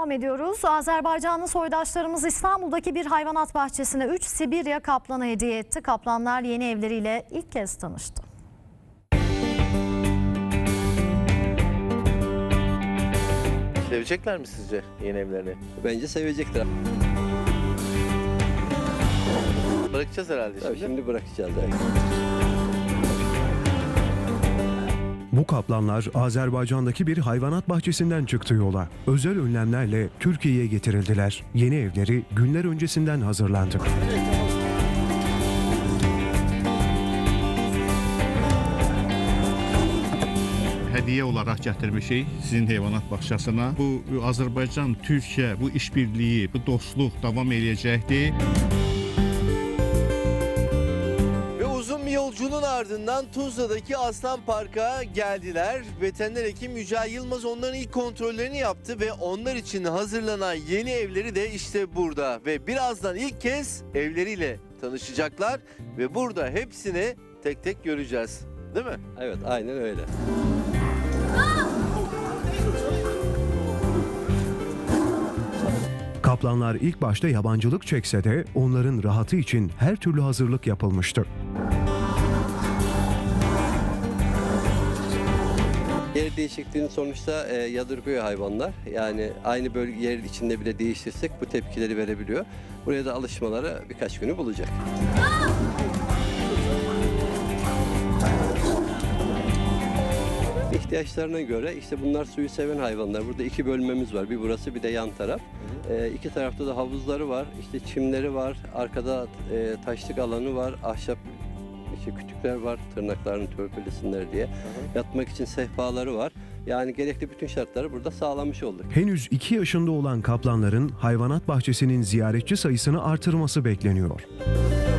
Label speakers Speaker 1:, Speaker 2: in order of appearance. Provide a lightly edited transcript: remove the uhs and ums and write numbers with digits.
Speaker 1: devam ediyoruz. Azerbaycanlı soydaşlarımız İstanbul'daki bir hayvanat bahçesine 3 Sibirya kaplanı hediye etti. Kaplanlar yeni evleriyle ilk kez tanıştı.
Speaker 2: Sevecekler mi sizce yeni evlerini?
Speaker 3: Bence sevecekler.
Speaker 2: Bırakacağız herhalde şimdi.
Speaker 3: Tabii şimdi bırakacağız. Yani.
Speaker 4: Bu kaplanlar Azerbaycan'daki bir hayvanat bahçesinden çıktı yola. Özel önlemlerle Türkiye'ye getirildiler. Yeni evleri günler öncesinden hazırlandı.
Speaker 5: Hədiyyə olaraq gətirmişik sizin heyvanat bağçasına. Bu Azərbaycan, Türkiyə, bu işbirliyi, bu dostluq davam edəcəkdir.
Speaker 2: Ve uzun bir yolculuğun ardından Tuzla'daki Aslan Park'a geldiler. Veteriner hekim Yücel Yılmaz onların ilk kontrollerini yaptı ve onlar için hazırlanan yeni evleri de işte burada. Ve birazdan ilk kez evleriyle tanışacaklar ve burada hepsini tek tek göreceğiz. Değil mi?
Speaker 3: Evet, aynen öyle.
Speaker 4: Kaplanlar ilk başta yabancılık çekse de onların rahatı için her türlü hazırlık yapılmıştı.
Speaker 3: Yer değişikliğinin sonuçta yadırgıyor hayvanlar. Yani aynı bölge yer içinde bile değiştirsek bu tepkileri verebiliyor. Buraya da alışmaları birkaç günü bulacak. İhtiyaçlarına göre işte bunlar suyu seven hayvanlar. Burada iki bölmemiz var. Bir burası bir de yan taraf. İki tarafta da havuzları var. İşte çimleri var. Arkada taşlık alanı var. Ahşap işte kütükler var. Tırnaklarını törpülesinler diye. Yatmak için sehpaları var. Yani gerekli bütün şartları burada sağlamış olduk.
Speaker 4: Henüz 2 yaşında olan kaplanların hayvanat bahçesinin ziyaretçi sayısını artırması bekleniyor.